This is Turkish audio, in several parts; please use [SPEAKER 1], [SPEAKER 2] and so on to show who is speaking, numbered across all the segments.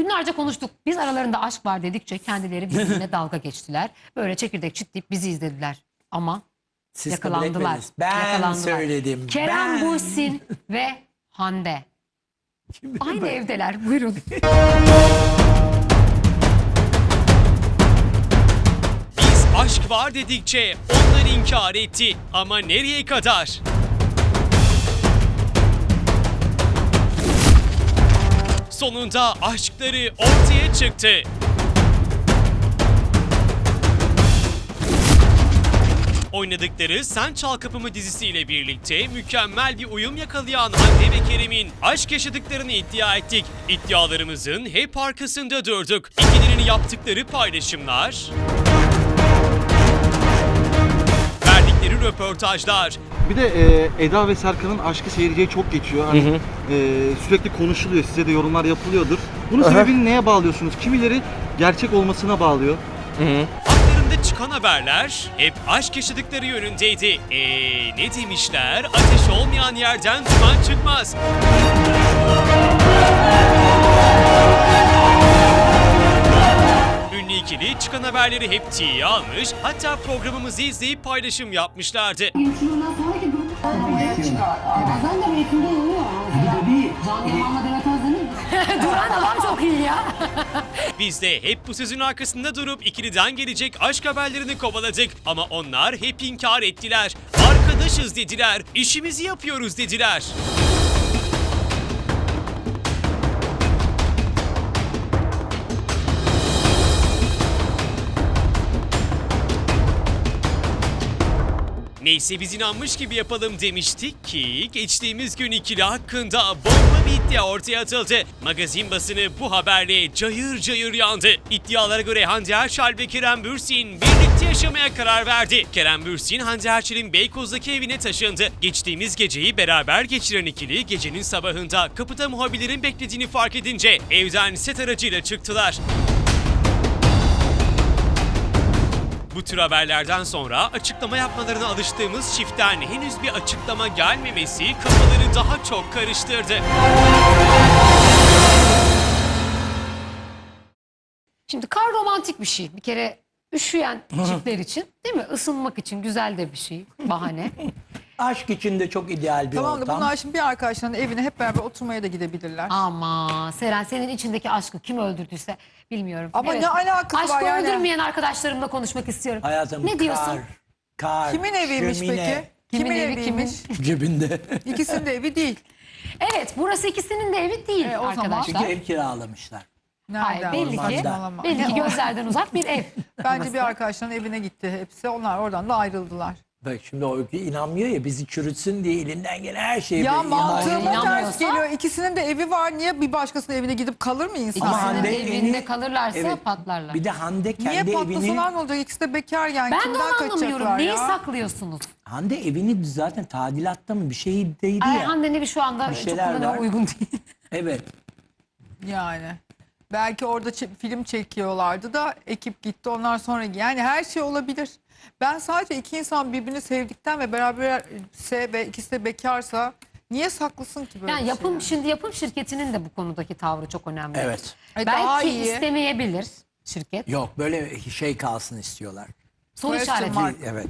[SPEAKER 1] Günlerce konuştuk. Biz aralarında aşk var dedikçe kendileri birbirine dalga geçtiler. Böyle çekirdek çitleyip bizi izlediler. Ama
[SPEAKER 2] Siz
[SPEAKER 1] yakalandılar.
[SPEAKER 2] Ben söyledim.
[SPEAKER 1] Kerem Bürsin ve Hande. Aynı evdeler. Buyurun.
[SPEAKER 3] Biz aşk var dedikçe onlar inkar etti. Ama nereye kadar? Sonunda aşkları ortaya çıktı. Oynadıkları Sen Çal Kapımı dizisiyle birlikte mükemmel bir uyum yakalayan Hande ve Kerem'in aşk yaşadıklarını iddia ettik. İddialarımızın hep arkasında durduk. İkililerini yaptıkları paylaşımlar, verdikleri röportajlar,
[SPEAKER 4] Bir de Eda ve Serkan'ın aşkı seyirciye çok geçiyor. Hani, sürekli konuşuluyor, size de yorumlar yapılıyordur. Bunun sebebini neye bağlıyorsunuz? Kimileri gerçek olmasına bağlıyor.
[SPEAKER 3] haklarında çıkan haberler hep aşk yaşadıkları yönündeydi. Ne demişler? Ateş olmayan yerden duman çıkmaz. Ünlü ikili çıkan haberleri hep tiye almış, hatta programımızı izleyip paylaşım yapmışlardı.
[SPEAKER 5] Yetişimden sonraki durum ortaya çıkar. Ben de mevkimde iniyor. Can Yaman'la Demet Özden'in
[SPEAKER 1] Duran adam çok iyi ya.
[SPEAKER 3] Biz de hep bu sözün arkasında durup ikiliden gelecek aşk haberlerini kovaladık. Ama onlar hep inkar ettiler. Arkadaşız dediler, işimizi yapıyoruz dediler. Neyse biz inanmış gibi yapalım demiştik ki geçtiğimiz gün ikili hakkında bomba bir iddia ortaya atıldı. Magazin basını bu haberle cayır cayır yandı. İddialara göre Hande Erçel ve Kerem Bürsin birlikte yaşamaya karar verdi. Kerem Bürsin, Hande Erçel'in Beykoz'daki evine taşındı. Geçtiğimiz geceyi beraber geçiren ikili gecenin sabahında kapıda muhabirlerin beklediğini fark edince evden set aracıyla çıktılar. Bu tür haberlerden sonra açıklama yapmalarına alıştığımız çiftten henüz bir açıklama gelmemesi kafaları daha çok karıştırdı.
[SPEAKER 1] Şimdi kar romantik bir şey. Bir kere üşüyen çiftler için, değil mi? Isınmak için güzel de bir şey. Bahane.
[SPEAKER 2] Aşk için de çok ideal bir
[SPEAKER 6] Tamam da
[SPEAKER 2] ortam.
[SPEAKER 6] bunlar şimdi bir arkadaşlarının evine hep beraber oturmaya da gidebilirler.
[SPEAKER 1] Ama Seren, senin içindeki aşkı kim öldürdüyse bilmiyorum.
[SPEAKER 6] Ama ne alakası
[SPEAKER 1] Aşkı
[SPEAKER 6] var yani?
[SPEAKER 1] öldürmeyen arkadaşlarımla konuşmak istiyorum.
[SPEAKER 2] Hayatım
[SPEAKER 1] Ne diyorsun?
[SPEAKER 2] Kar,
[SPEAKER 6] Kimin eviymiş
[SPEAKER 2] şömine
[SPEAKER 6] peki?
[SPEAKER 1] Kimin evi,
[SPEAKER 6] eviymiş?
[SPEAKER 2] cebinde.
[SPEAKER 6] İkisinin de evi değil.
[SPEAKER 1] Evet, burası ikisinin de evi değil
[SPEAKER 6] O zaman-
[SPEAKER 1] arkadaşlar.
[SPEAKER 2] Çünkü ev kiralamışlar.
[SPEAKER 1] Hayır,
[SPEAKER 6] Nereden?
[SPEAKER 1] belli ki,
[SPEAKER 2] Ormanda.
[SPEAKER 1] belli ki gözlerden uzak bir ev.
[SPEAKER 6] Bence bir arkadaşların evine gitti hepsi. Onlar oradan da ayrıldılar.
[SPEAKER 2] Bak şimdi o inanmıyor ya, bizi çürütsün diye elinden gelen her şeyi
[SPEAKER 6] Ya
[SPEAKER 2] böyle
[SPEAKER 6] mantığıma
[SPEAKER 1] İnanmıyorsa-
[SPEAKER 6] ters geliyor. İkisinin de evi var. Niye bir başkasının evine gidip kalır mı insan?
[SPEAKER 2] Ama
[SPEAKER 1] İkisinin
[SPEAKER 2] Hande
[SPEAKER 1] evinde
[SPEAKER 2] evini-
[SPEAKER 1] kalırlarsa
[SPEAKER 2] Evet.
[SPEAKER 1] patlarlar.
[SPEAKER 2] Bir de Hande
[SPEAKER 6] Niye
[SPEAKER 2] kendi
[SPEAKER 6] patlasalar
[SPEAKER 2] evini,
[SPEAKER 6] ne olacak? İkisi de bekar yani.
[SPEAKER 1] Ben de
[SPEAKER 6] Kimden
[SPEAKER 1] onu anlamıyorum.
[SPEAKER 6] kaçacaklar
[SPEAKER 1] Neyi
[SPEAKER 6] ya?
[SPEAKER 1] saklıyorsunuz?
[SPEAKER 2] Hande evini zaten tadilatta mı bir şeydeydi
[SPEAKER 1] Ay,
[SPEAKER 2] ya.
[SPEAKER 1] Hande'nin evi şu anda
[SPEAKER 2] Bir
[SPEAKER 1] çok
[SPEAKER 2] şeyler
[SPEAKER 1] kullanıma
[SPEAKER 2] var.
[SPEAKER 1] uygun değil.
[SPEAKER 2] Evet.
[SPEAKER 6] Yani. Belki orada film çekiyorlardı da ekip gitti ondan sonra. Yani her şey olabilir. Ben sadece iki insan birbirini sevdikten ve beraberse ve ikisi de bekarsa niye saklısın ki böyle
[SPEAKER 1] Yani
[SPEAKER 6] bir
[SPEAKER 1] yapım,
[SPEAKER 6] şey?
[SPEAKER 1] şimdi yapım şirketinin de bu konudaki tavrı çok önemli.
[SPEAKER 2] Evet.
[SPEAKER 6] Daha
[SPEAKER 1] Belki
[SPEAKER 6] iyi.
[SPEAKER 1] istemeyebilir şirket.
[SPEAKER 2] Yok, böyle şey kalsın istiyorlar.
[SPEAKER 1] Soru
[SPEAKER 6] Question
[SPEAKER 1] işareti.
[SPEAKER 6] mark.
[SPEAKER 2] Evet.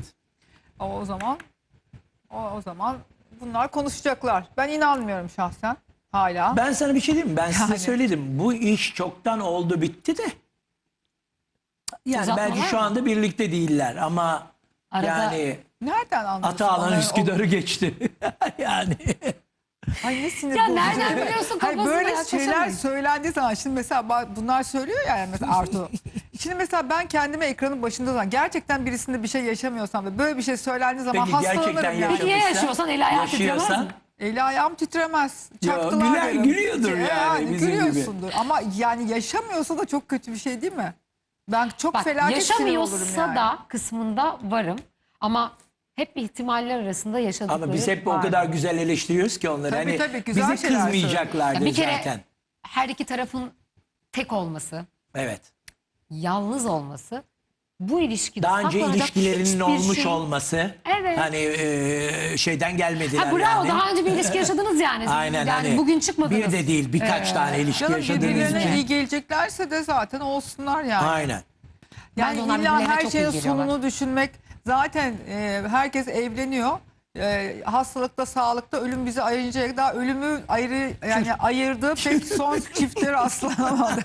[SPEAKER 6] O zaman bunlar konuşacaklar. Ben inanmıyorum şahsen hala.
[SPEAKER 2] Ben sana bir şey diyeyim mi? Ben size
[SPEAKER 6] Yani.
[SPEAKER 2] söyledim. Bu iş çoktan oldu bitti de. Yani
[SPEAKER 1] Uzatmalar
[SPEAKER 2] belki şu
[SPEAKER 1] mı?
[SPEAKER 2] anda birlikte değiller ama
[SPEAKER 1] Arada-
[SPEAKER 2] yani
[SPEAKER 6] Nereden anlıyorsun?
[SPEAKER 2] Ataağlan
[SPEAKER 6] onların
[SPEAKER 2] Üsküdar'ı geçti. Yani.
[SPEAKER 6] Ay ne sinir
[SPEAKER 1] Ya
[SPEAKER 6] bozucu.
[SPEAKER 1] nereden biliyorsun,
[SPEAKER 6] Hayır,
[SPEAKER 1] kafasında
[SPEAKER 6] böyle
[SPEAKER 1] yaklaşamayız.
[SPEAKER 6] şeyler söylendiği zaman şimdi mesela bunlar söylüyor ya yani mesela Artu. Şimdi mesela ben kendime ekranın başında zaman gerçekten birisinde bir şey yaşamıyorsam ve böyle bir şey söylendiği zaman
[SPEAKER 2] Peki gerçekten
[SPEAKER 6] hastalanırım yani.
[SPEAKER 1] Peki ya yaşıyorsan eli ayağı titremez
[SPEAKER 2] yaşıyorsan
[SPEAKER 1] mi?
[SPEAKER 6] Eli ayağım titremez. Çaktılar
[SPEAKER 2] güler-
[SPEAKER 6] derim.
[SPEAKER 2] gülüyordur yani bizim gibi.
[SPEAKER 6] Gülüyorsundur ama yani yaşamıyorsa da çok kötü bir şey değil mi? Ben çok
[SPEAKER 1] Bak,
[SPEAKER 6] felaket sinir olurum
[SPEAKER 1] yaşamıyorsa
[SPEAKER 6] yani.
[SPEAKER 1] da kısmında varım ama hep ihtimaller arasında yaşadıkları
[SPEAKER 2] ama biz hep o
[SPEAKER 1] var.
[SPEAKER 2] kadar güzel eleştiriyoruz ki onları.
[SPEAKER 6] Tabii,
[SPEAKER 2] hani
[SPEAKER 6] tabii, güzel
[SPEAKER 2] bizi
[SPEAKER 6] şeyler
[SPEAKER 2] kızmayacaklardı
[SPEAKER 1] Ya bir kere
[SPEAKER 2] zaten.
[SPEAKER 1] her iki tarafın tek olması,
[SPEAKER 2] Evet.
[SPEAKER 1] yalnız olması bu ilişkide
[SPEAKER 2] Daha önce
[SPEAKER 1] saklanacak
[SPEAKER 2] ilişkilerinin
[SPEAKER 1] hiçbir
[SPEAKER 2] olmuş
[SPEAKER 1] şey-
[SPEAKER 2] olması.
[SPEAKER 1] Evet.
[SPEAKER 2] Hani şeyden gelmediler
[SPEAKER 1] Ha, bravo,
[SPEAKER 2] yani.
[SPEAKER 1] daha önce bir ilişki yaşadınız yani.
[SPEAKER 2] Aynen,
[SPEAKER 1] yani
[SPEAKER 2] hani
[SPEAKER 1] bugün çıkmadınız.
[SPEAKER 2] bir de değil, birkaç tane ilişki
[SPEAKER 6] Canım
[SPEAKER 2] yaşadığınız
[SPEAKER 6] birbirlerine
[SPEAKER 2] için.
[SPEAKER 6] iyi geleceklerse de zaten olsunlar yani.
[SPEAKER 2] Aynen.
[SPEAKER 1] Bence
[SPEAKER 6] Yani
[SPEAKER 1] onlar
[SPEAKER 6] illa
[SPEAKER 1] birbirlerine
[SPEAKER 6] her
[SPEAKER 1] çok
[SPEAKER 6] şeyin
[SPEAKER 1] iyi geliyorlar.
[SPEAKER 6] sonunu düşünmek zaten herkes evleniyor. Hastalıkta, sağlıkta ölüm bizi ayırıncaya kadar ölümü ayırdığı pek son çiftleri rastlanamadı.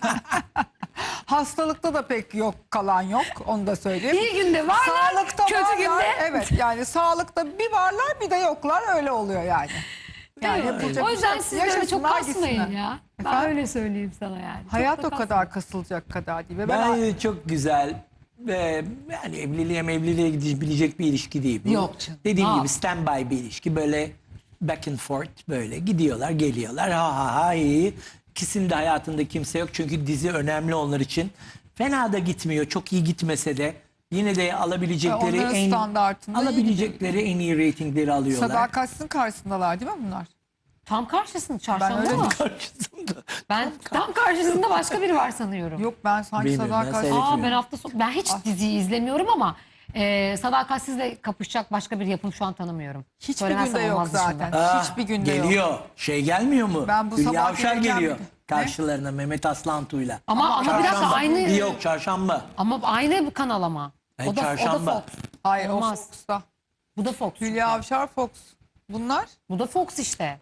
[SPEAKER 6] Hastalıkta da pek yok, kalan yok, onu da söyleyeyim.
[SPEAKER 1] İyi günde varlar,
[SPEAKER 6] Sağlıkta
[SPEAKER 1] kötü
[SPEAKER 6] varlar,
[SPEAKER 1] günde.
[SPEAKER 6] evet, yani sağlıkta bir varlar bir de yoklar, öyle oluyor yani. Yani yapılacak
[SPEAKER 1] O
[SPEAKER 6] bir
[SPEAKER 1] yüzden
[SPEAKER 6] şey
[SPEAKER 1] siz
[SPEAKER 6] yok.
[SPEAKER 1] böyle çok
[SPEAKER 6] Yaşasınlar,
[SPEAKER 1] kasmayın
[SPEAKER 6] gitsinler.
[SPEAKER 1] ya. Ben
[SPEAKER 6] Efendim?
[SPEAKER 1] öyle söyleyeyim sana yani. Çok
[SPEAKER 6] Hayat
[SPEAKER 1] da
[SPEAKER 6] o kadar kasılacak kadar değil. Ve
[SPEAKER 2] Bence çok güzel ve yani evliliğe gidebilecek bir ilişki değil bu.
[SPEAKER 1] Yok canım.
[SPEAKER 2] Dediğim
[SPEAKER 1] Ne
[SPEAKER 2] gibi
[SPEAKER 1] yap-
[SPEAKER 2] standby bir ilişki, böyle back and forth, böyle gidiyorlar geliyorlar, ha ha ha iyi. İkisinin de hayatında kimse yok çünkü dizi önemli onlar için. Fena da gitmiyor, çok iyi gitmese de yine de alabilecekleri
[SPEAKER 6] onların standartında iyi
[SPEAKER 2] alabilecekleri en iyi reytingleri alıyorlar.
[SPEAKER 6] sadakatsizin karşısındalar değil mi bunlar?
[SPEAKER 1] Tam karşısında
[SPEAKER 6] Ben
[SPEAKER 1] çarşamba
[SPEAKER 6] öyle
[SPEAKER 1] mı?
[SPEAKER 2] Karşısında.
[SPEAKER 1] Ben tam karşısında başka biri var sanıyorum.
[SPEAKER 6] Yok, ben sanki
[SPEAKER 2] Bilmiyorum, ben
[SPEAKER 6] sadakatsiz.
[SPEAKER 2] seyretmiyorum.
[SPEAKER 1] Ben hafta sonu ben hiç diziyi izlemiyorum ama sadakatsizle kapışacak başka bir yapım şu an tanımıyorum.
[SPEAKER 6] Hiçbir
[SPEAKER 1] Söylemezsem
[SPEAKER 6] günde yok
[SPEAKER 1] olmaz dışında.
[SPEAKER 6] zaten. Hiçbir günde yok.
[SPEAKER 2] Geliyor. Şey gelmiyor mu?
[SPEAKER 6] Ben bu
[SPEAKER 2] Hülya
[SPEAKER 6] sabah
[SPEAKER 2] Avşar
[SPEAKER 6] geleceğim
[SPEAKER 2] geliyor
[SPEAKER 6] bir de.
[SPEAKER 2] karşılarına Mehmet Aslantu'yla.
[SPEAKER 1] Ama bir dakika
[SPEAKER 2] Çarşamba.
[SPEAKER 1] aynı
[SPEAKER 2] Yok çarşamba.
[SPEAKER 1] ama aynı kanal ama.
[SPEAKER 2] Ay,
[SPEAKER 1] O da
[SPEAKER 2] çarşamba.
[SPEAKER 1] Fox.
[SPEAKER 6] Hayır,
[SPEAKER 1] Olmaz.
[SPEAKER 6] o Fox'ta.
[SPEAKER 1] Bu da Fox.
[SPEAKER 6] Hülya Avşar Fox. Bunlar?
[SPEAKER 1] Bu da Fox işte.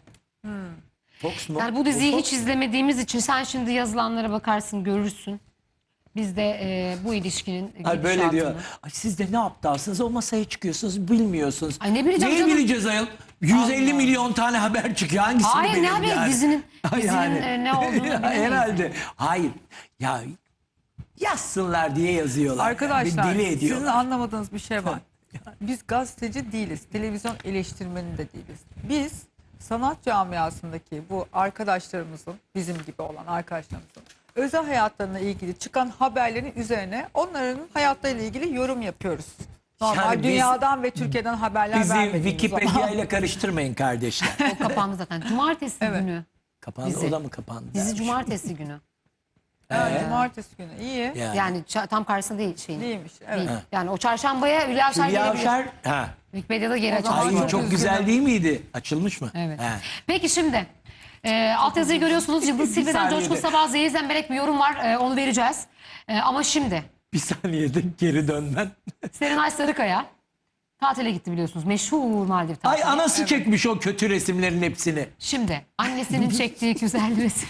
[SPEAKER 2] Fox mu?
[SPEAKER 1] Yani bu diziyi
[SPEAKER 2] Fox.
[SPEAKER 1] hiç izlemediğimiz için sen şimdi yazılanlara bakarsın, görürsün. Biz de bu ilişkinin
[SPEAKER 2] Ay böyle
[SPEAKER 1] gidişatını-
[SPEAKER 2] diyor. Ay siz de ne aptalsınız, o masaya çıkıyorsunuz, bilmiyorsunuz.
[SPEAKER 1] Ay ne bileceğim
[SPEAKER 2] Neyi
[SPEAKER 1] canım?
[SPEAKER 2] bileceğiz ayol? 150 milyon tane haber çıkıyor. Hangisini
[SPEAKER 1] Hayır, ne
[SPEAKER 2] bilelim
[SPEAKER 1] haberi?
[SPEAKER 2] yani?
[SPEAKER 1] Dizinin
[SPEAKER 2] Yani.
[SPEAKER 1] ne olduğunu bilemeyiz.
[SPEAKER 2] Herhalde. Hayır. Ya yazsınlar diye yazıyorlar.
[SPEAKER 6] Arkadaşlar,
[SPEAKER 2] Bir deli
[SPEAKER 6] sizin
[SPEAKER 2] ediyorlar.
[SPEAKER 6] anlamadığınız bir şey var. Biz gazeteci değiliz, televizyon eleştirmeni de değiliz. Biz sanat camiasındaki bu arkadaşlarımızın, bizim gibi olan arkadaşlarımızın özel hayatlarına ilgili çıkan haberlerin üzerine onların hayatlarıyla ilgili yorum yapıyoruz. Normal
[SPEAKER 2] Yani biz-
[SPEAKER 6] dünyadan ve Türkiye'den haberler
[SPEAKER 2] Bizi
[SPEAKER 6] vermediğimiz
[SPEAKER 2] Wikipedia
[SPEAKER 6] zaman.
[SPEAKER 2] ile karıştırmayın kardeşler.
[SPEAKER 1] O kapandı zaten. Cumartesi günü.
[SPEAKER 2] Kapandı,
[SPEAKER 1] Dizi.
[SPEAKER 2] o da mı kapandı?
[SPEAKER 1] Dizi
[SPEAKER 2] dermiş.
[SPEAKER 1] cumartesi günü.
[SPEAKER 6] Yani cumartesi günü. İyi.
[SPEAKER 1] Yani tam karşısında değil şeyin.
[SPEAKER 6] Değilmiş. Evet.
[SPEAKER 1] Değil. Yani o çarşambaya Hülya Avşar
[SPEAKER 2] Hülya
[SPEAKER 1] gelebilir.
[SPEAKER 2] Avşar. Ha.
[SPEAKER 1] Wikipedia'da geri
[SPEAKER 6] O zaman
[SPEAKER 1] açılmış.
[SPEAKER 2] Ay
[SPEAKER 6] çok
[SPEAKER 2] çok
[SPEAKER 6] üzgünüm.
[SPEAKER 2] güzel değil miydi? Açılmış mı?
[SPEAKER 1] Evet.
[SPEAKER 2] Ha.
[SPEAKER 1] Peki şimdi altyazıyı görüyorsunuz. Yıldız Silve'den
[SPEAKER 2] saniyede.
[SPEAKER 1] Coşkun Sabah Zehir Zemberek bir yorum var. Onu vereceğiz. Ama şimdi
[SPEAKER 2] Bir saniyede geri dönmen.
[SPEAKER 1] Serenay Sarıkaya tatile gitti biliyorsunuz. Meşhur Maldiv tatili.
[SPEAKER 2] Ay anası çekmiş o kötü resimlerin hepsini.
[SPEAKER 1] Şimdi annesinin çektiği güzel resim.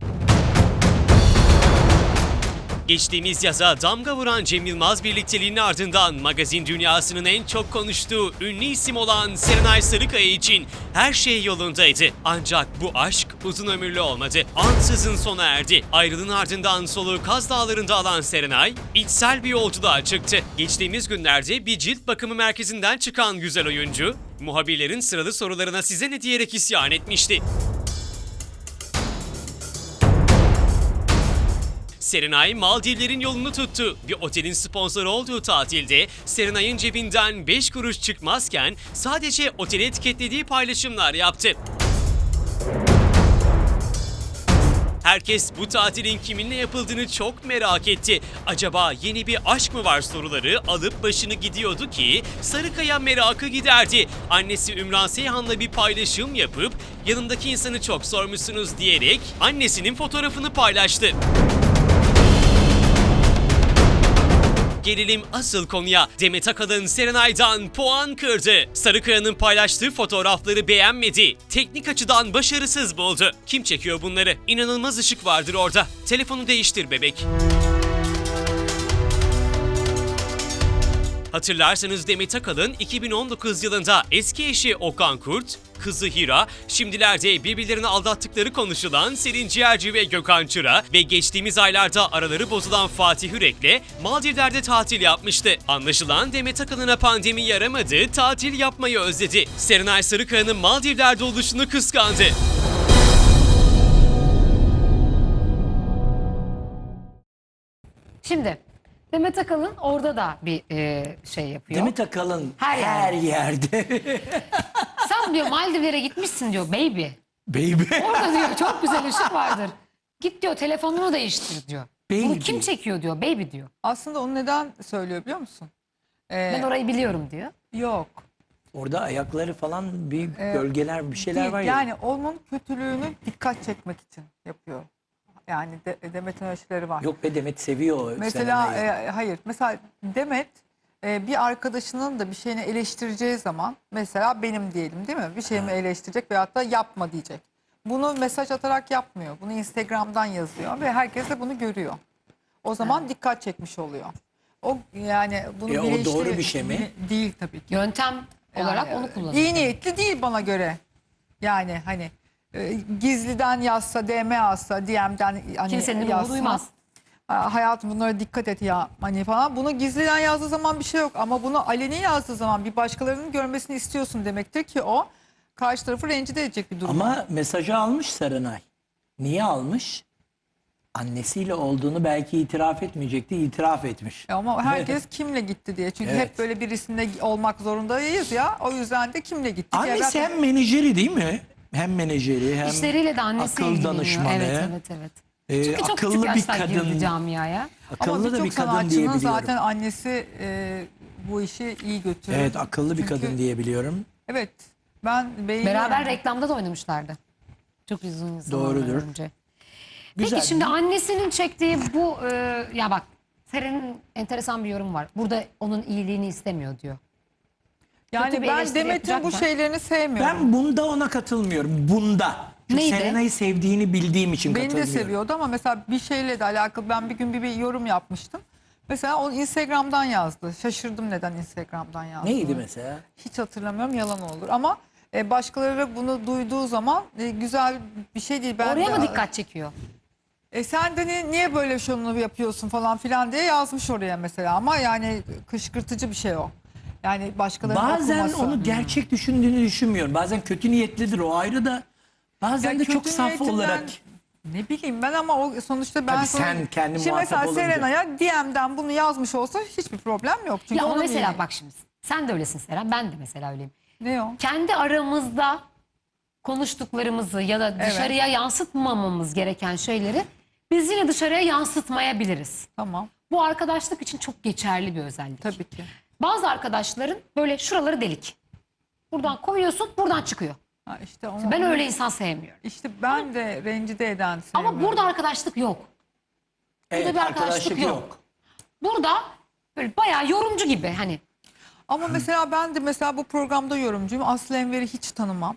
[SPEAKER 3] Geçtiğimiz yaza damga vuran Cem Yılmaz birlikteliğinin ardından magazin dünyasının en çok konuştuğu ünlü isim olan Serenay Sarıkaya için her şey yolundaydı. Ancak bu aşk uzun ömürlü olmadı. Ansızın sona erdi. Ayrılığın ardından soluğu Kaz Dağları'nda alan Serenay, içsel bir yolculuğa çıktı. Geçtiğimiz günlerde bir cilt bakımı merkezinden çıkan güzel oyuncu, muhabirlerin sıralı sorularına size ne diyerek isyan etmişti. Serenay Maldivlerin yolunu tuttu. Bir otelin sponsoru olduğu tatilde Serenay'ın cebinden 5 kuruş çıkmazken sadece oteli etiketlediği paylaşımlar yaptı. Herkes bu tatilin kiminle yapıldığını çok merak etti. Acaba yeni bir aşk mı var soruları alıp başını gidiyordu ki Sarıkaya merakı giderdi. Annesi Ümran Seyhan'la bir paylaşım yapıp yanındaki insanı çok sormuşsunuz diyerek annesinin fotoğrafını paylaştı. Gelelim asıl konuya. Demet Akalın Serenay'dan puan kırdı. Sarıkaya'nın paylaştığı fotoğrafları beğenmedi. Teknik açıdan başarısız buldu. Kim çekiyor bunları? İnanılmaz ışık vardır orada. Telefonu değiştir bebek. Hatırlarsanız Demet Akalın 2019 yılında eski eşi Okan Kurt, kızı Hira, şimdilerde birbirlerini aldattıkları konuşulan Selin Ciğerci ve Gökhan Çıra ve geçtiğimiz aylarda araları bozulan Fatih Yürek'le Maldivler'de tatil yapmıştı. Anlaşılan Demet Akalın'a pandemi yaramadı, tatil yapmayı özledi. Serenay Sarıkaya'nın Maldivler'de oluşunu kıskandı.
[SPEAKER 1] Şimdi Demet Akalın orada da bir şey yapıyor.
[SPEAKER 2] Demet Akalın
[SPEAKER 1] Her
[SPEAKER 2] her yerde.
[SPEAKER 1] Sen diyor Maldivlere gitmişsin diyor baby.
[SPEAKER 2] Baby.
[SPEAKER 1] Orada diyor çok güzel ışık vardır. Git diyor telefonunu değiştir diyor.
[SPEAKER 2] Baby.
[SPEAKER 1] Bunu kim çekiyor diyor. Baby diyor.
[SPEAKER 6] Aslında onu neden söylüyor biliyor musun?
[SPEAKER 1] Ben orayı biliyorum diyor.
[SPEAKER 6] Yok.
[SPEAKER 2] Orada ayakları falan bir gölgeler bir şeyler
[SPEAKER 6] Değil.
[SPEAKER 2] var ya.
[SPEAKER 6] Yani onun kötülüğünü dikkat çekmek için yapıyor. Yani Demet'in ölçüleri var.
[SPEAKER 2] Yok be, Demet seviyor o
[SPEAKER 6] Mesela
[SPEAKER 2] Serenay'ı.
[SPEAKER 6] hayır. Mesela Demet bir arkadaşının da bir şeyini eleştireceği zaman, mesela benim diyelim değil mi? Bir şeyimi eleştirecek veyahut da yapma diyecek. Bunu mesaj atarak yapmıyor. Bunu Instagram'dan yazıyor ve herkes de bunu görüyor. O zaman dikkat çekmiş oluyor. O yani bunu
[SPEAKER 2] O doğru bir şey mi?
[SPEAKER 6] Değil tabii ki.
[SPEAKER 1] Yöntem olarak
[SPEAKER 6] Yani,
[SPEAKER 1] onu kullanıyor.
[SPEAKER 6] İyi niyetli değil bana göre. Yani hani gizliden yazsa, DM yazsa, DM'den hani
[SPEAKER 1] Kimsenin ruhu
[SPEAKER 6] yazsa,
[SPEAKER 1] duymaz.
[SPEAKER 6] hayatım bunlara dikkat et ya hani falan. Bunu gizliden yazdığı zaman bir şey yok ama bunu aleni yazdığı zaman bir başkalarının görmesini istiyorsun demektir ki o karşı tarafı rencide edecek bir durum.
[SPEAKER 2] Ama mesajı almış Serenay. Niye almış? Annesiyle olduğunu belki itiraf etmeyecekti, itiraf etmiş.
[SPEAKER 6] Ama herkes kimle gitti diye. Çünkü
[SPEAKER 2] Evet.
[SPEAKER 6] hep böyle birisinde olmak zorundayız ya. O yüzden de kimle gitti diye.
[SPEAKER 2] Annesi hem menajeri değil mi? Hem menajeri hem
[SPEAKER 1] İşleriyle de annesi
[SPEAKER 2] akıl
[SPEAKER 1] ilgileniyor.
[SPEAKER 2] danışmanı.
[SPEAKER 1] Evet. Çünkü çok
[SPEAKER 2] akıllı
[SPEAKER 1] küçük
[SPEAKER 2] bir
[SPEAKER 1] yaşta girdi
[SPEAKER 2] kadın.
[SPEAKER 1] camiaya.
[SPEAKER 6] Ama
[SPEAKER 2] Akıllı da
[SPEAKER 6] birçok
[SPEAKER 2] bir kadın
[SPEAKER 6] sanatçının
[SPEAKER 2] diyebiliyorum.
[SPEAKER 6] zaten annesi bu işi iyi götürüyor.
[SPEAKER 2] Evet, akıllı bir
[SPEAKER 6] Çünkü-
[SPEAKER 2] kadın diyebiliyorum.
[SPEAKER 6] Evet. Ben beğeniyorum.
[SPEAKER 1] Beraber reklamda da oynamışlardı. Çok uzun zamanlar
[SPEAKER 2] Doğrudur.
[SPEAKER 1] önce.
[SPEAKER 2] Güzel.
[SPEAKER 1] Peki şimdi annesinin çektiği bu ya bak Seren'in enteresan bir yorum var. Burada onun iyiliğini istemiyor diyor.
[SPEAKER 6] Yani
[SPEAKER 1] kötü bir
[SPEAKER 6] ben
[SPEAKER 1] eleştiri
[SPEAKER 6] Demet'in bu
[SPEAKER 1] yapacak mı?
[SPEAKER 6] şeylerini sevmiyorum.
[SPEAKER 2] Ben bunda ona katılmıyorum. Bunda. Çünkü
[SPEAKER 1] Neydi?
[SPEAKER 2] Serenay'ı sevdiğini bildiğim için
[SPEAKER 6] Beni de
[SPEAKER 2] katılmıyorum.
[SPEAKER 6] seviyordu ama mesela bir şeyle de alakalı ben bir gün bir yorum yapmıştım. Mesela onu Instagram'dan yazdı. Şaşırdım neden Instagram'dan yazdı.
[SPEAKER 2] Neydi mesela?
[SPEAKER 6] Hiç hatırlamıyorum, yalan olur. Ama başkaları bunu duyduğu zaman güzel bir şey değil. Ben
[SPEAKER 1] Oraya
[SPEAKER 6] de-
[SPEAKER 1] mı dikkat çekiyor?
[SPEAKER 6] Sen de niye böyle şunu yapıyorsun falan filan diye yazmış oraya mesela. Ama yani kışkırtıcı bir şey o. Yani başkalarının
[SPEAKER 2] Bazen
[SPEAKER 6] okuması.
[SPEAKER 2] onu gerçek düşündüğünü düşünmüyorum. Bazen kötü niyetlidir, o ayrı da. Bazen
[SPEAKER 6] Ya
[SPEAKER 2] de çok
[SPEAKER 6] kötü
[SPEAKER 2] saf
[SPEAKER 6] niyetinden-
[SPEAKER 2] olarak.
[SPEAKER 6] Ne bileyim ben ama o sonuçta ben
[SPEAKER 2] Tabii
[SPEAKER 6] sonra-
[SPEAKER 2] sen kendi
[SPEAKER 6] Şimdi
[SPEAKER 2] muhatap
[SPEAKER 6] mesela
[SPEAKER 2] olunca.
[SPEAKER 6] Serenay'a DM'den bunu yazmış olsa hiçbir problem yok. Çünkü
[SPEAKER 1] Ya ama
[SPEAKER 6] onun
[SPEAKER 1] mesela
[SPEAKER 6] iyi-
[SPEAKER 1] bak şimdi sen de öylesin Seren, ben de mesela öyleyim.
[SPEAKER 6] Ne o?
[SPEAKER 1] Kendi aramızda konuştuklarımızı ya da
[SPEAKER 6] Evet.
[SPEAKER 1] dışarıya yansıtmamamız gereken şeyleri biz yine dışarıya yansıtmayabiliriz.
[SPEAKER 6] Tamam.
[SPEAKER 1] Bu arkadaşlık için çok geçerli bir özellik.
[SPEAKER 6] Tabii ki.
[SPEAKER 1] Bazı arkadaşların böyle şuraları delik. Buradan koyuyorsun, buradan çıkıyor.
[SPEAKER 6] Ha işte onu,
[SPEAKER 1] Ben öyle insan sevmiyorum.
[SPEAKER 6] İşte ben de rencide eden
[SPEAKER 1] Ama
[SPEAKER 6] sevmiyorum.
[SPEAKER 1] burada arkadaşlık yok.
[SPEAKER 2] Evet,
[SPEAKER 1] bir arkadaşlık yok. Burada böyle bayağı yorumcu gibi hani.
[SPEAKER 6] Ama mesela ben de mesela bu programda yorumcuyum. Aslı Enver'i hiç tanımam.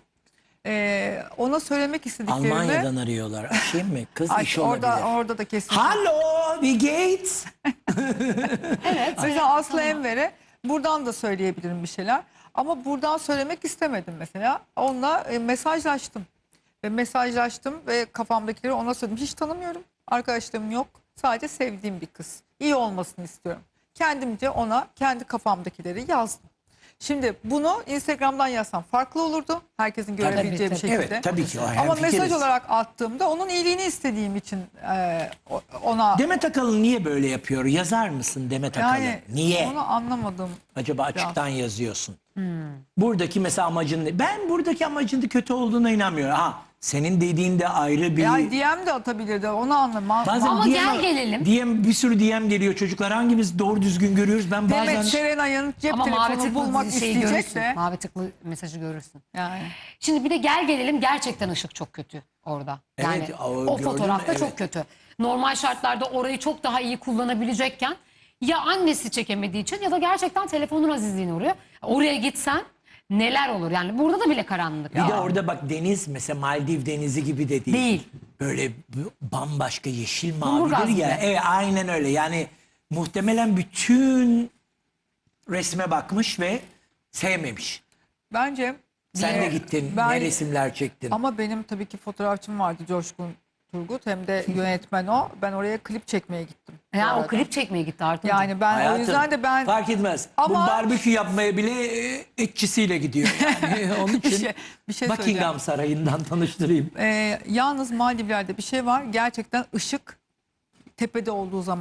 [SPEAKER 6] Ona söylemek istediklerimi...
[SPEAKER 2] Almanya'dan arıyorlar. Açayım mı? Kız
[SPEAKER 6] Ay,
[SPEAKER 2] işi olabilir.
[SPEAKER 6] orada da kesin.
[SPEAKER 2] Hallo, wie geht's?
[SPEAKER 1] Evet.
[SPEAKER 6] Mesela Aslı Enver'e buradan da söyleyebilirim bir şeyler. Ama buradan söylemek istemedim mesela. Onunla mesajlaştım. Ve mesajlaştım ve kafamdakileri ona söyledim. Hiç tanımıyorum. Arkadaşlarım yok. Sadece sevdiğim bir kız. İyi olmasını istiyorum. Kendimce ona kendi kafamdakileri yazdım. Şimdi bunu Instagram'dan yazsam farklı olurdu. Herkesin görebileceği bir
[SPEAKER 1] tabii.
[SPEAKER 6] şekilde.
[SPEAKER 2] Evet, tabii ki o
[SPEAKER 6] Ama
[SPEAKER 2] hemfikiriz.
[SPEAKER 6] mesaj olarak attığımda onun iyiliğini istediğim için ona...
[SPEAKER 2] Demet Akalın niye böyle yapıyor? Yazar mısın Demet Akalın?
[SPEAKER 6] Yani
[SPEAKER 2] Niye?
[SPEAKER 6] onu anlamadım.
[SPEAKER 2] Acaba açıktan yazıyorsun. Buradaki mesela amacın ne? Ben buradaki amacın da kötü olduğuna inanmıyorum. Ha, senin dediğin de ayrı bir...
[SPEAKER 6] Yani DM de atabilirdi, onu anlamam.
[SPEAKER 2] Bazen
[SPEAKER 1] Ama
[SPEAKER 2] DM
[SPEAKER 1] gel gelelim.
[SPEAKER 2] bir sürü DM geliyor çocuklar. Hangimiz doğru düzgün görüyoruz? Ben bazen...
[SPEAKER 6] Demet Serenay'ın cep
[SPEAKER 1] Ama mavi
[SPEAKER 6] telefonu bulmak
[SPEAKER 1] tıklı şeyi
[SPEAKER 6] isteyecek
[SPEAKER 1] görürsün.
[SPEAKER 6] de.
[SPEAKER 1] Mavi tıklı mesajı görürsün.
[SPEAKER 6] Yani.
[SPEAKER 1] Şimdi bir de gel gelelim gerçekten ışık çok kötü orada. Yani
[SPEAKER 2] Evet,
[SPEAKER 1] o
[SPEAKER 2] gördüm,
[SPEAKER 1] fotoğrafta
[SPEAKER 2] evet.
[SPEAKER 1] çok kötü. Normal şartlarda orayı çok daha iyi kullanabilecekken ya annesi çekemediği için ya da gerçekten telefonun azizliğine uğruyor. Oraya gitsen neler olur yani burada da bile karanlık.
[SPEAKER 2] Bir de orada bak deniz mesela Maldiv denizi gibi de değil.
[SPEAKER 1] Değil.
[SPEAKER 2] Böyle bambaşka yeşil
[SPEAKER 1] Kumburgaz
[SPEAKER 2] mavidir ya.
[SPEAKER 1] gibi.
[SPEAKER 2] Evet, aynen öyle. Yani muhtemelen bütün resme bakmış ve sevmemiş.
[SPEAKER 6] Bence
[SPEAKER 2] Sen de gittin,
[SPEAKER 6] ben-
[SPEAKER 2] ne resimler çektin.
[SPEAKER 6] ama benim tabii ki fotoğrafçım vardı, Coşkun Turgut, hem de yönetmen o. Ben oraya klip çekmeye gittim. bu
[SPEAKER 1] Ya o
[SPEAKER 6] arada.
[SPEAKER 1] klip çekmeye gitti Artuncuğum.
[SPEAKER 6] Yani ben
[SPEAKER 2] Hayatım,
[SPEAKER 6] o yüzden de ben
[SPEAKER 2] fark etmez. Bu
[SPEAKER 6] Ama-
[SPEAKER 2] barbekü yapmaya bile etçisiyle gidiyor. Yani onun için
[SPEAKER 6] bir şey söyleyeceğim.
[SPEAKER 2] Buckingham Sarayı'ndan tanıştırayım.
[SPEAKER 6] Yalnız Maldivler'de bir şey var. Gerçekten ışık tepede olduğu zaman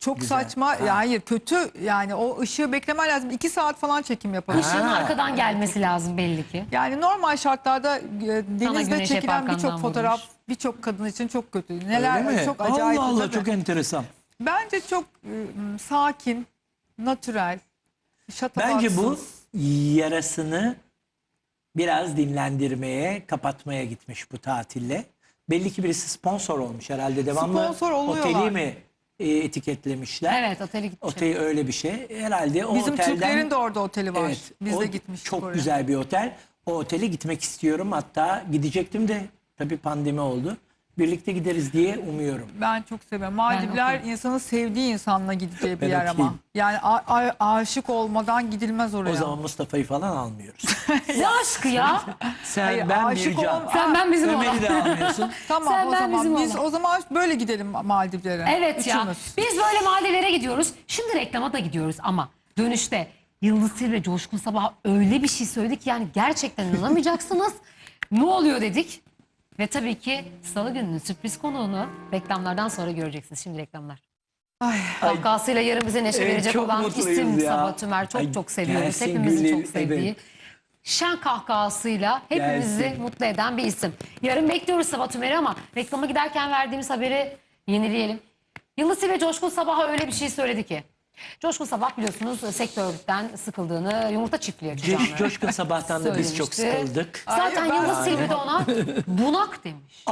[SPEAKER 6] Çok
[SPEAKER 2] Güzel.
[SPEAKER 6] saçma.
[SPEAKER 2] Ha.
[SPEAKER 6] Ya hayır, kötü. Yani o ışığı beklemen lazım. 2 saat falan çekim yapalım.
[SPEAKER 1] Işığın
[SPEAKER 2] Ha.
[SPEAKER 1] arkadan gelmesi lazım belli ki.
[SPEAKER 6] Yani normal şartlarda denizde
[SPEAKER 1] güneş hep
[SPEAKER 6] çekilen birçok
[SPEAKER 1] arkandan
[SPEAKER 6] fotoğraf
[SPEAKER 1] vurmuş.
[SPEAKER 6] birçok kadın için çok kötü.
[SPEAKER 2] Öyle
[SPEAKER 6] Neler
[SPEAKER 2] mi?
[SPEAKER 6] çok acayip.
[SPEAKER 2] Allah Allah,
[SPEAKER 6] tabii.
[SPEAKER 2] çok enteresan.
[SPEAKER 6] Bence çok sakin, natürel, şatafatsız.
[SPEAKER 2] Bence bu yarasını biraz dinlendirmeye, kapatmaya gitmiş bu tatille. Belli ki birisi sponsor olmuş herhalde. Devamlı
[SPEAKER 6] Sponsor oluyorlar.
[SPEAKER 2] oteli mi etiketlemişler?
[SPEAKER 1] Evet, otele gitmiş.
[SPEAKER 2] Oteli öyle bir şey. Herhalde o
[SPEAKER 6] Bizim
[SPEAKER 2] otelden...
[SPEAKER 6] Türklerin de orada oteli var.
[SPEAKER 2] Evet,
[SPEAKER 6] Biz
[SPEAKER 2] o
[SPEAKER 6] de gitmiştik
[SPEAKER 2] çok
[SPEAKER 6] oraya.
[SPEAKER 2] güzel bir otel. O otele gitmek istiyorum. Hatta gidecektim de tabii pandemi oldu. Birlikte gideriz diye umuyorum.
[SPEAKER 6] Ben çok seviyorum. Maldivler
[SPEAKER 1] okeyim.
[SPEAKER 6] insanın sevdiği insanla gideceği bir
[SPEAKER 2] Ben
[SPEAKER 6] yer ama.
[SPEAKER 2] okeyim.
[SPEAKER 6] Yani aşık olmadan gidilmez oraya.
[SPEAKER 2] O zaman Mustafa'yı falan almıyoruz.
[SPEAKER 1] Ne aşkı ya?
[SPEAKER 2] Sen,
[SPEAKER 6] Hayır,
[SPEAKER 2] ben,
[SPEAKER 6] aşık
[SPEAKER 2] Bircan.
[SPEAKER 6] ol-
[SPEAKER 1] Sen ben bizim
[SPEAKER 2] Ömer'i
[SPEAKER 1] olan.
[SPEAKER 2] de almıyorsun.
[SPEAKER 6] Tamam
[SPEAKER 1] Sen,
[SPEAKER 6] o
[SPEAKER 1] ben, bizim
[SPEAKER 6] zaman biz
[SPEAKER 1] olan.
[SPEAKER 6] o zaman böyle gidelim Maldivlere.
[SPEAKER 1] Evet ya.
[SPEAKER 6] Üçümüz.
[SPEAKER 1] Biz böyle Maldivlere gidiyoruz. Şimdi reklama da gidiyoruz ama dönüşte Yıldız Tilbe Coşkun Sabah öyle bir şey söyledi ki yani gerçekten inanamayacaksınız. Ne oluyor dedik. Ve tabii ki Salı gününün sürpriz konuğunu reklamlardan sonra göreceksiniz. Şimdi reklamlar.
[SPEAKER 6] Ay.
[SPEAKER 1] Kahkahasıyla yarın bize neşe
[SPEAKER 2] Evet,
[SPEAKER 1] verecek
[SPEAKER 2] çok
[SPEAKER 1] olan
[SPEAKER 2] mutluyuz
[SPEAKER 1] isim
[SPEAKER 2] ya.
[SPEAKER 1] Sabah Tümer. Çok
[SPEAKER 2] Ay,
[SPEAKER 1] çok seviyoruz.
[SPEAKER 2] gelsin
[SPEAKER 1] Hepimizin
[SPEAKER 2] Gül'ün,
[SPEAKER 1] çok sevdiği.
[SPEAKER 2] evet.
[SPEAKER 1] Şen kahkahasıyla hepimizi
[SPEAKER 2] Gelsin.
[SPEAKER 1] mutlu eden bir isim. Yarın bekliyoruz Sabah Tümer'i ama reklama giderken verdiğimiz haberi yenileyelim. Yıldız Tilbe Coşkun Sabah'a öyle bir şey söyledi ki. Coşkun Sabah biliyorsunuz sektörden sıkıldığını, yumurta çiftliği açacağını
[SPEAKER 2] Coşkun Sabah'tan da biz çok
[SPEAKER 1] söylemişti.
[SPEAKER 2] sıkıldık.
[SPEAKER 1] Zaten
[SPEAKER 6] Ay,
[SPEAKER 1] Yıldız Tilbe de ona bunak demiş.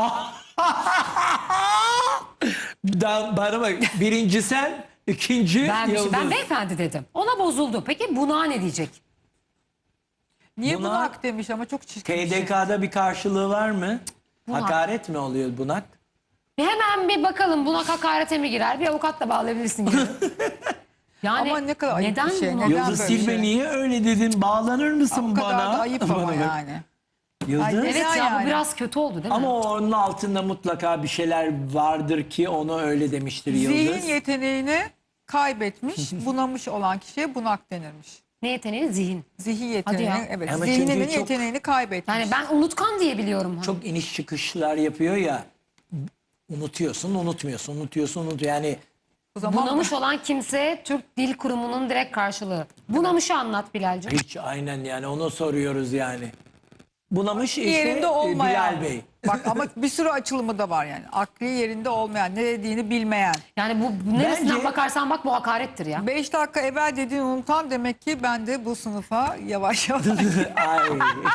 [SPEAKER 2] Bana bak, birinci sen, ikinci Yıldız.
[SPEAKER 1] Ben beyefendi dedim. Ona bozuldu. Peki bunağa ne diyecek?
[SPEAKER 6] Niye
[SPEAKER 2] Bunak-
[SPEAKER 6] bunak demiş ama çok çirkin bir şey.
[SPEAKER 2] KDK'da bir karşılığı var mı?
[SPEAKER 1] Bunak.
[SPEAKER 2] Hakaret mi oluyor bunak?
[SPEAKER 1] Hemen bir bakalım bunak hakarete mi girer? Bir avukat da bağlayabilirsin gibi. Yani
[SPEAKER 6] Ama ne kadar ayıp
[SPEAKER 1] neden
[SPEAKER 6] bir şey,
[SPEAKER 1] bunak?
[SPEAKER 6] neden?
[SPEAKER 2] Yıldız
[SPEAKER 6] böyle bir
[SPEAKER 2] Tilbe
[SPEAKER 6] şey?
[SPEAKER 2] niye öyle dedin? Bağlanır mısın
[SPEAKER 6] O kadar
[SPEAKER 2] bana?
[SPEAKER 6] da ayıp
[SPEAKER 2] Bana
[SPEAKER 6] ama
[SPEAKER 2] bak.
[SPEAKER 6] yani.
[SPEAKER 2] Yıldız.
[SPEAKER 6] Ay,
[SPEAKER 1] Evet ya
[SPEAKER 6] yani.
[SPEAKER 1] bu biraz kötü oldu değil mi?
[SPEAKER 2] Ama onun altında mutlaka bir şeyler vardır ki onu öyle demiştir Yıldız.
[SPEAKER 6] Zihin yeteneğini kaybetmiş, bunamış olan kişiye bunak denirmiş.
[SPEAKER 1] Ne yeteneği? Zihin.
[SPEAKER 6] Zihin
[SPEAKER 1] ya.
[SPEAKER 6] yeteneğini, evet.
[SPEAKER 2] Ama
[SPEAKER 6] Zihninin
[SPEAKER 2] çünkü çok-
[SPEAKER 6] yeteneğini kaybetmiş.
[SPEAKER 1] Yani ben unutkan diye biliyorum.
[SPEAKER 2] Çok iniş çıkışlar yapıyor ya. Unutuyorsun, unutmuyorsun, unutuyorsun, unutuyorsun. Yani
[SPEAKER 6] o zaman
[SPEAKER 1] Bunamış olan kimse Türk Dil Kurumu'nun direkt karşılığı. Bunamış'ı anlat Bilal'cim.
[SPEAKER 2] hiç aynen yani onu soruyoruz yani. Bunamış işte
[SPEAKER 6] yerinde olmayan.
[SPEAKER 2] Bilal Bey.
[SPEAKER 6] Bak ama bir sürü açılımı da var yani. Akli yerinde olmayan, ne dediğini bilmeyen.
[SPEAKER 1] Yani bu neresinden
[SPEAKER 2] Bence-
[SPEAKER 1] bakarsan bak bu hakarettir ya.
[SPEAKER 6] 5 dakika evvel dediğini unutan demek ki ben de bu sınıfa yavaş yavaş.
[SPEAKER 2] Ay.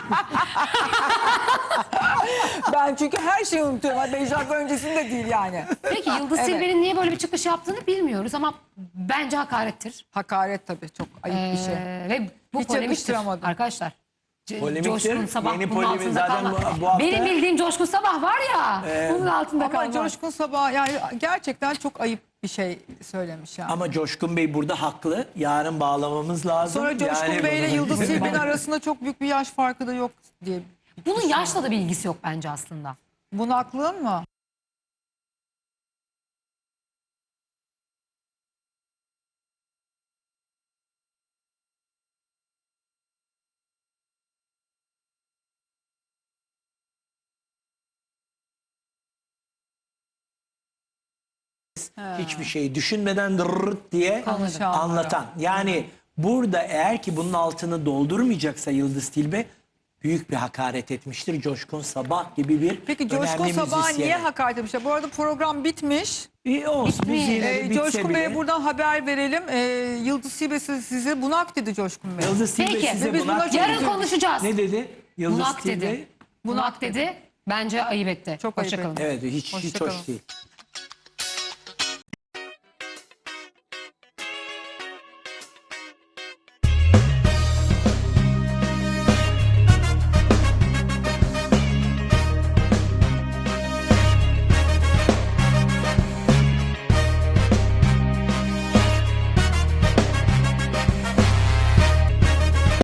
[SPEAKER 6] Ben çünkü her şeyi unutuyorum. 5 dakika öncesinde değil yani.
[SPEAKER 1] Peki Yıldız
[SPEAKER 6] Evet.
[SPEAKER 1] Tilbe'nin niye böyle bir çıkış yaptığını bilmiyoruz ama bence hakarettir.
[SPEAKER 6] Hakaret tabii, çok ayıp bir şey.
[SPEAKER 1] Ve bu
[SPEAKER 6] Hiç
[SPEAKER 1] polemiktir
[SPEAKER 6] yakıştıramadım.
[SPEAKER 1] arkadaşlar.
[SPEAKER 2] Polemiktir.
[SPEAKER 1] Coşkun Sabah
[SPEAKER 2] Yeni
[SPEAKER 1] bunun
[SPEAKER 2] polemik
[SPEAKER 1] altında
[SPEAKER 2] zaten
[SPEAKER 1] kalmaz.
[SPEAKER 2] bu hafta-
[SPEAKER 1] Benim bildiğim Coşkun Sabah var ya bunun altında
[SPEAKER 6] Ama
[SPEAKER 1] kalmaz.
[SPEAKER 6] Coşkun Sabah yani gerçekten çok ayıp bir şey söylemiş yani.
[SPEAKER 2] Ama Coşkun Bey burada haklı. Yarın bağlamamız lazım.
[SPEAKER 6] Sonra Coşkun
[SPEAKER 2] Yani
[SPEAKER 6] Bey ile
[SPEAKER 2] bunu-
[SPEAKER 6] Yıldız Tilbe'nin arasında çok büyük bir yaş farkı da yok diye.
[SPEAKER 1] Bunun yaşla da bir ilgisi yok bence aslında.
[SPEAKER 6] Bunaklığın mı?
[SPEAKER 2] Hiçbir şeyi düşünmeden dırırt diye
[SPEAKER 6] Konuşanlara.
[SPEAKER 2] anlatan. Yani burada eğer ki bunun altını doldurmayacaksa Yıldız Tilbe büyük bir hakaret etmiştir. Coşkun Sabah gibi bir
[SPEAKER 6] Peki Coşkun
[SPEAKER 2] önemli
[SPEAKER 6] Sabah
[SPEAKER 2] müzisyene.
[SPEAKER 6] niye hakaret etmişler? Bu arada program bitmiş.
[SPEAKER 2] İyi olsun. Biz
[SPEAKER 1] Bitmiş.
[SPEAKER 2] yine de bitse
[SPEAKER 6] Coşkun
[SPEAKER 2] bile.
[SPEAKER 6] Bey'e buradan haber verelim. Yıldız Tilbe size bunak dedi Coşkun Bey.
[SPEAKER 2] Yıldız Tilbe
[SPEAKER 1] Peki,
[SPEAKER 2] size
[SPEAKER 6] biz
[SPEAKER 2] bunak
[SPEAKER 6] buna
[SPEAKER 2] dedi.
[SPEAKER 1] Yarın konuşacağız.
[SPEAKER 2] Ne dedi? Yıldız
[SPEAKER 1] Bunak
[SPEAKER 2] Tilbe.
[SPEAKER 1] dedi. Bunak dedi. Bence ayıp etti.
[SPEAKER 6] Çok ayıp
[SPEAKER 1] Hoşça kalın.
[SPEAKER 6] etti.
[SPEAKER 2] Evet hiç
[SPEAKER 6] Hoşça kalın.
[SPEAKER 2] hoş değil.